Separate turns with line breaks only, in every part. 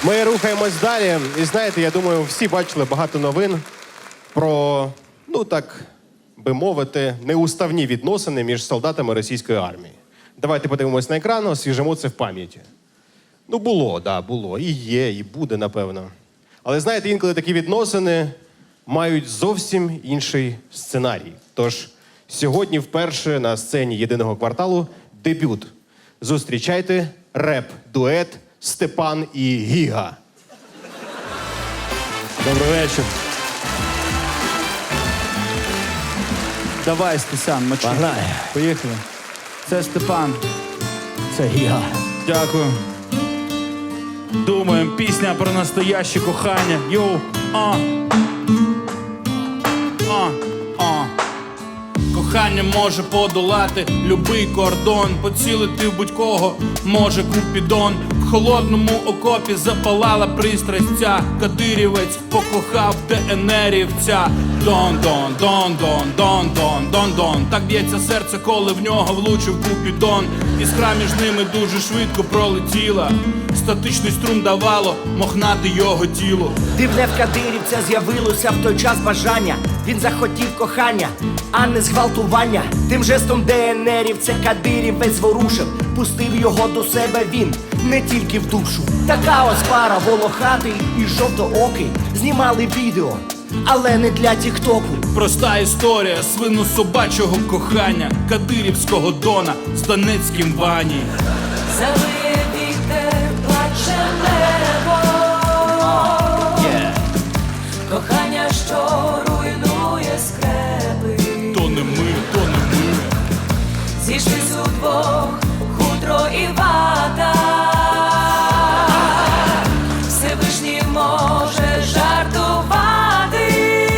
Ми рухаємось далі. І знаєте, я думаю, всі бачили багато новин про, ну так би мовити, неуставні відносини між солдатами російської армії. Давайте подивимось на екран, освіжимо це в пам'яті. Ну, було, да, було. І є, і буде, напевно. Але знаєте, інколи такі відносини мають зовсім інший сценарій. Тож сьогодні вперше на сцені єдиного кварталу дебют. Зустрічайте реп-дует Степан і Гіга.
Добрий вечір. Давай, Стесан, мочи.
Погнали.
Поїхали. Це Степан.
Це Гіга.
Дякую. Думаємо, пісня про настояще кохання. Йоу, Кохання може подолати любий кордон, поцілити в будь-кого може Купідон. В холодному окопі запалала пристрасть ця. Кадирівець покохав ДНРівця. Дон-дон, дон-дон, дон-дон, дон-дон. Так б'ється серце, коли в нього влучив Купідон. Іскра між ними дуже швидко пролетіла. Статичний струм давало мохнати його тіло.
Дивне в Кадирівця з'явилося в той час бажання. Він захотів кохання, а не зґвалтування. Тим жестом ДНРівця Кадирівець зворушив. Пустив його до себе він, не тільки в душу. Така ось пара, волохатий і жовтоокий, знімали відео, але не для тіктоку.
Проста історія свино-собачого кохання Кадирівського Дона з Донецьким Вані.
Завиє вітер, плаче небо, кохання, що руйнує скрепи.
То не ми, то не ми.
Зійшлись удвох хутро і вата. Всевишній може жартувати.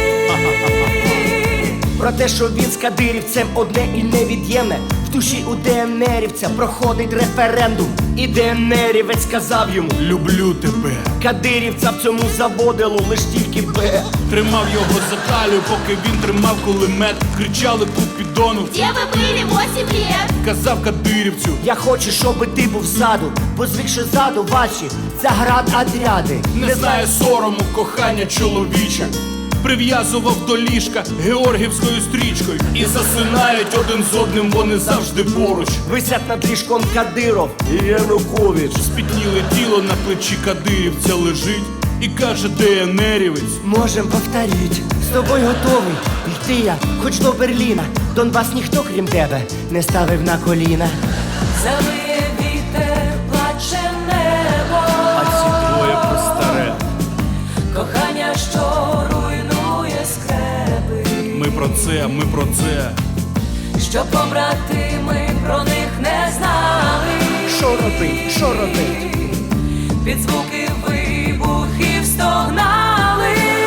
Про те, що він з кадирівцем одне і невід'ємне. В душі у ДНРівця проходить референдум. І ДНРівець сказав йому:
люблю тебе.
Кадирівця в цьому заводило лиш тільки Б.
Тримав його за талію, поки він тримав кулемет. Кричали Купідону:
Де ви були 8 лет?
казав кадирівцю.
Я хочу, щоби ти був ззаду, бо звикши ззаду ваші заградотряди.
Не знає сорому кохання чоловіче. Прив'язував до ліжка георгівською стрічкою. І засинають один з одним вони завжди поруч.
Висять над ліжком Кадиров і Янукович.
Спітніле тіло на плечі кадирівця лежить. І каже ДНРівець:
Можем повторить, з тобою готовий йти я, хоч до Берліна. Донбас ніхто, крім тебе, не ставив на коліна.
Завиє вітер, плаче небо,
а ці двоє постаре.
кохання, що руйнує скрепи.
Ми про це, ми про це.
Щоб побратими про них не знали.
Що робить, що робить?
Під звуки вибухів стогнали.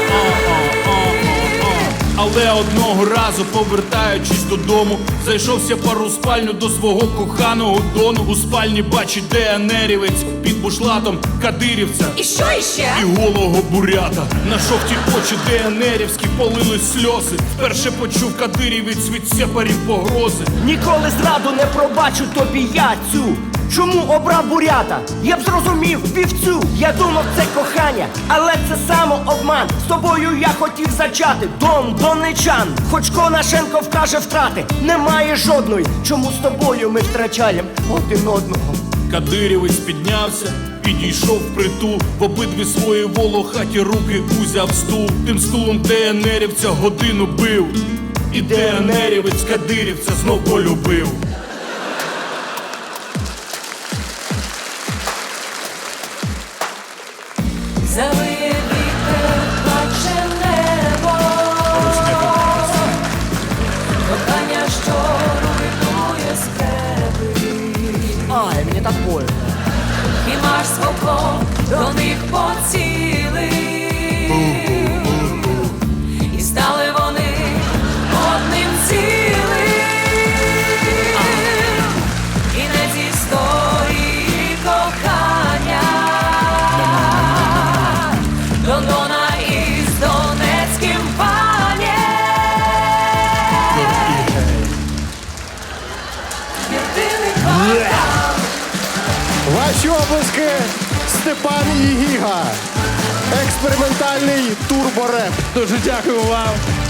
Але одного разу, повертаючись додому, зайшовся пару у спальню до свого коханого Дону. У спальні бачить ДНРівець під бушлатом кадирівця
І що іще?
і голого бурята. На жовті очі ДНРівські полились сльози. Вперше почув кадирівець від сепарів погрози.
Ніколи зраду не пробачу тобі я цю. Чому обрав бурята? Я б зрозумів вівцю. Я думав, це кохання, але це самообман. З тобою я хотів зачати донечан. Хоч Конашенко вкаже втрати, немає жодної. Чому з тобою ми втрачаємо один одного?
Кадирівець піднявся, підійшов впритул. В обидві свої волохаті руки узяв стул. Тим стулом ДНРівця годину бив. І ДНРівець кадирівця знов полюбив.
Завиє вітер, плаче небо, кохання, що руйнує скрепи.
Ай, мені так больно.
І марш свого до них поцілив. І стали вони одним цілим. Кінець історії кохання Лондона із Донецьким панєм. Єдиний квартал.
Ваші обласки Степан і Гіга. Експериментальний турбореп.
Дуже дякую вам.